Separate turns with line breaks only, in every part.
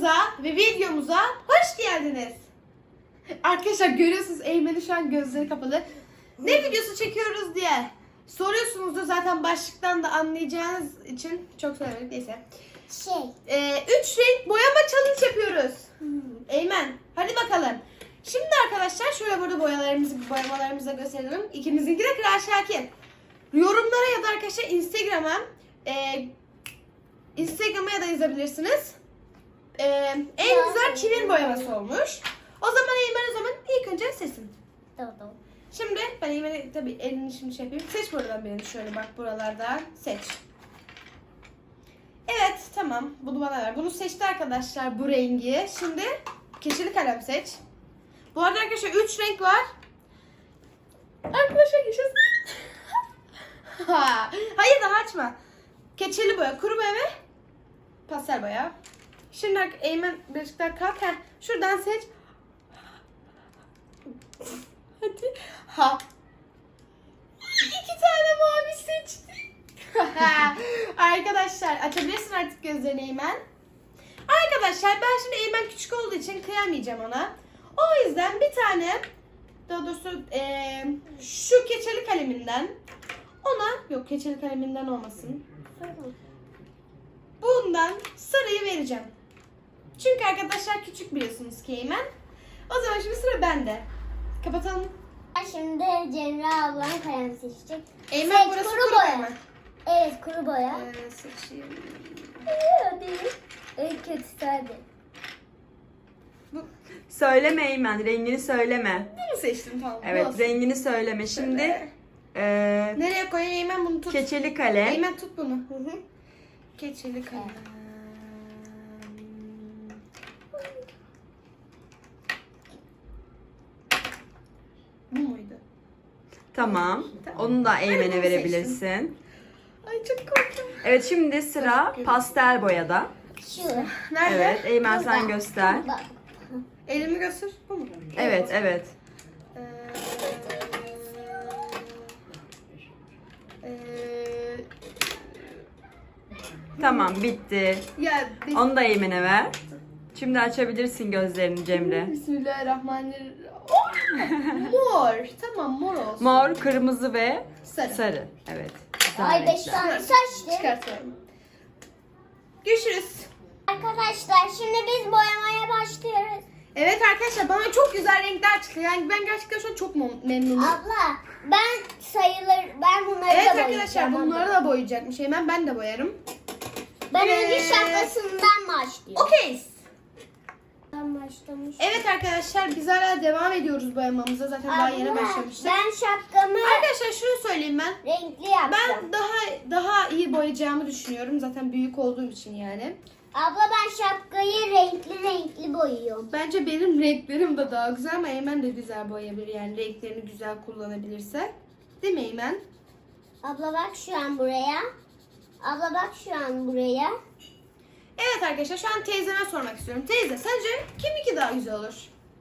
kanalımıza ve videomuza hoş geldiniz. Arkadaşlar görüyorsunuz Eymen'in şu an gözleri kapalı. Ne videosu çekiyoruz diye soruyorsunuzdur, zaten başlıktan da anlayacağınız için çok söylemedik, neyse. 3 renk boyama challenge yapıyoruz. Eymen hadi bakalım. Şimdi arkadaşlar şöyle burada boyamalarımızı da gösterelim. İkimizinki de Kral Şakir. Yorumlara ya da arkadaşlar Instagram'a ya da yazabilirsiniz. En güzel kimin boyaması olmuş. O zaman Eymen ilk önce seçsin.
Tamam.
Şimdi ben Eymen'e tabii elini şimdi şey yapayım. Seç buradan birini, şöyle bak buralardan seç. Evet tamam, bunu bana ver. Bunu seçti arkadaşlar, bu rengi. Şimdi keçeli kalem seç. Bu arada arkadaşlar 3 renk var. Arkadaşlar yaşasın. Hayır daha açma. Keçeli boya, kuru boya ve pastel boya. Şimdi Eymen birazcık daha kalk. Şuradan seç. Hadi. Ha. 2 tane mavi seçtim. Arkadaşlar açabilirsin artık gözlerini Eymen. Arkadaşlar ben şimdi Eymen küçük olduğu için kıyamayacağım ona. O yüzden bir tane, daha doğrusu şu keçeli kaleminden ona, yok keçeli kaleminden olmasın. Bundan sarıyı vereceğim. Çünkü arkadaşlar küçük biliyorsunuz ki Eymen. O zaman şimdi sıra bende. Kapatalım.
Şimdi Cemre ablam kalem seçecek.
Eymen burası kuru boya mı?
Evet, kuru boya.
Seçeyim.
Hadi. En kötüsü hadi.
Söyleme Eymen, rengini söyleme.
Bunu seçtim tamam.
Evet,
olsun.
rengini söyleme. Şimdi
Nereye koyayım Eymen, bunu tut.
keçeli kalem.
Eymen tut bunu. Keçeli kalem. Bu muydu?
Tamam.
Tamam.
Onu da
Ben
Eymen'e
bunu
verebilirsin.
Ay çok korktum.
Evet, şimdi sıra pastel boyada.
Şu.
Nerede?
Evet, Eymen sen
Burada.
göster.
Bak.
Elimi göster. Bu mu?
Evet, evet. Tamam, bitti.
Ya
Onu da Eymen'e ver. Şimdi açabilirsin gözlerini Cemre.
Bismillahirrahmanirrahim. Oh! Mor. Tamam, mor olsun.
Mor, kırmızı ve
Sarı.
sarı. Evet. güzel
Ay 5
renkler.
tane saçtı.
Çıkartıyorum. Görüşürüz.
Arkadaşlar şimdi biz boyamaya başlıyoruz.
Evet arkadaşlar, bana çok güzel renkler çıktı. Yani ben gerçekten şu an çok memnunum.
Abla ben bunları
Evet
da
arkadaşlar,
boyayacağım.
bunları da boyayacakmış. Hemen ben de boyarım.
Ben önce şapkasından başlıyorum.
Okey.
Ben başlamış.
Evet arkadaşlar, biz hala devam ediyoruz boyamamıza. Zaten daha yeni
Abla,
başlamıştık.
ben şapkamı
Arkadaşlar şunu söyleyeyim ben.
renkli yapacağım.
Ben daha iyi boyayacağımı düşünüyorum. Zaten büyük olduğum için yani.
Abla ben şapkayı renkli boyuyorum.
Bence benim renklerim de daha güzel ama Eymen de güzel boyayabilir. Yani renklerini güzel kullanabilirse. Değil mi Eymen?
Abla bak şu an buraya. Abla bak şu an buraya.
Evet arkadaşlar, şu an teyzeme sormak istiyorum. Teyze, sence kiminki daha güzel olur?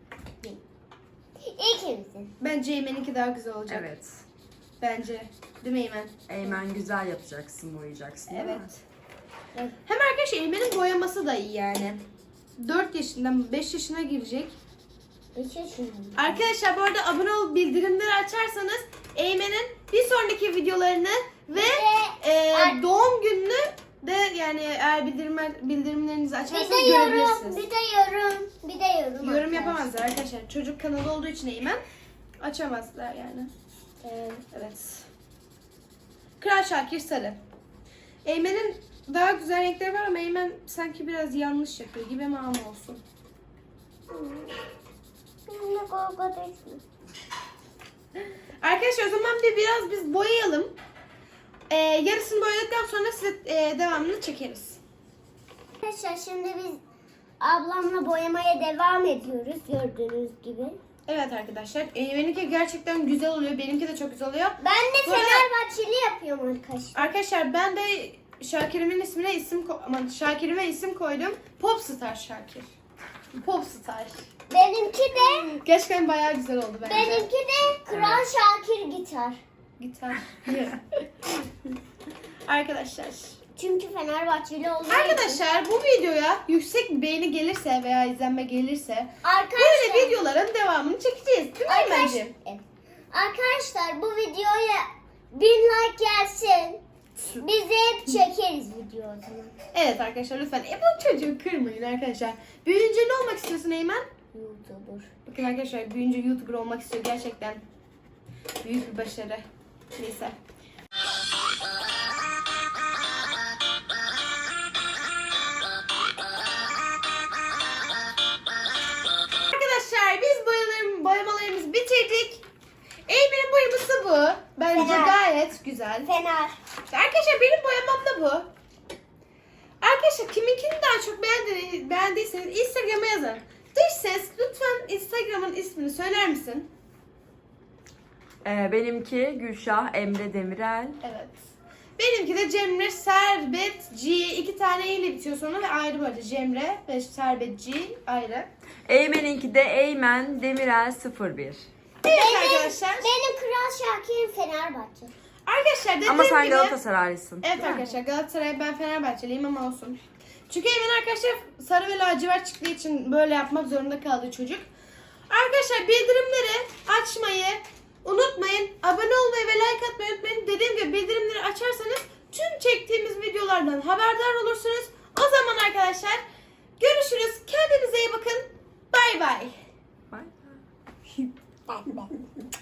İkimizin.
Bence Eymen'inki daha güzel olacak.
Evet.
Bence. Değil mi Eymen?
Eymen güzel yapacaksın, boyayacaksın. değil mi?
Evet.
Evet.
Hem arkadaşlar Eymen'in boyaması da iyi yani. 4 yaşından 5 yaşına girecek.
5 yaşındayım.
Arkadaşlar bu arada abone olup bildirimleri açarsanız Eymen'in bir sonraki videolarını ve doğum gününü de, yani eğer bildirimlerinizi açarsanız görebilirsiniz.
Bir de yorum.
Yorum
arkadaşlar.
yapamazlar arkadaşlar. Çocuk kanalı olduğu için Eymen açamazlar yani. Evet. Kral Şakir sarı. Eymen'in daha güzel renkleri var ama Eymen sanki biraz yanlış yapıyor gibi, ama olsun.
Benimle kavga etme.
Arkadaşlar o zaman biraz biz boyayalım. Yarısını boyadıktan sonra size devamını çekeriz.
Arkadaşlar şimdi biz ablamla boyamaya devam ediyoruz gördüğünüz gibi.
Evet arkadaşlar. Eymen'inki gerçekten güzel oluyor. Benimki de çok güzel oluyor.
Ben de
Bu arada-
Fenerbahçeli yapıyorum arkadaşlar.
Arkadaşlar ben de Şakir'imin ismine Şakir'ime isim koydum. Popstar Şakir. Popstar.
Benimki de
Gerçekten bayağı güzel oldu bence.
benimki de Kral Şakir gitar.
Gitar. Arkadaşlar.
Çünkü Fenerbahçeli olduğu için.
Arkadaşlar bu videoya yüksek bir beğeni gelirse veya izlenme gelirse
Arkadaşlar,
böyle videoların devamını çekeceğiz. Değil mi Eymen'ciğim?
Arkadaşlar bu videoya 1000 like gelsin. Biz de hep çekeriz video o zaman.
Evet arkadaşlar lütfen. Bu çocuğu kırmayın arkadaşlar. Büyüyünce ne olmak istiyorsun Eymen?
YouTuber.
Bakın arkadaşlar büyüyünce YouTuber olmak istiyor. Gerçekten büyük bir başarı. Neyse. Arkadaşlar biz boyamalarımızı bitirdik. Eymen'in boyaması bu. Bence
Fener.
gayet güzel.
Fener.
Arkadaşlar benim boyamam da bu. Arkadaşlar kiminkini daha çok beğendiyseniz Instagram'a yazın. Dış ses lütfen Instagram'ın ismini söyler misin?
Benimki Gülşah Emre Demirel.
Evet. Benimki de Cemre Servet G. 2 tane E ile bitiyor sonra ve ayrı böyle Cemre ve Servet G ayrı.
Eymen'inki de Eymen Demirel 01.
Evet arkadaşlar.
Benim Kral Şakir'im Fenerbahçe.
Arkadaşlar dediğim
Ama sen
gibi.
Galatasaraylısın.
Evet arkadaşlar Galatasaray ben Fenerbahçeliyim ama olsun. Çünkü Eymen arkadaşlar sarı ve lacivert çıktığı için böyle yapmak zorunda kaldı çocuk. Arkadaşlar bildirimleri açmayı unutmayın. Abone olmayı ve like atmayı unutmayın. Dediğim gibi bildirimleri açarsanız tüm çektiğimiz videolardan haberdar olursunuz. O zaman arkadaşlar görüşürüz. Kendinize iyi bakın. Bay bay.
Bye.
Ben.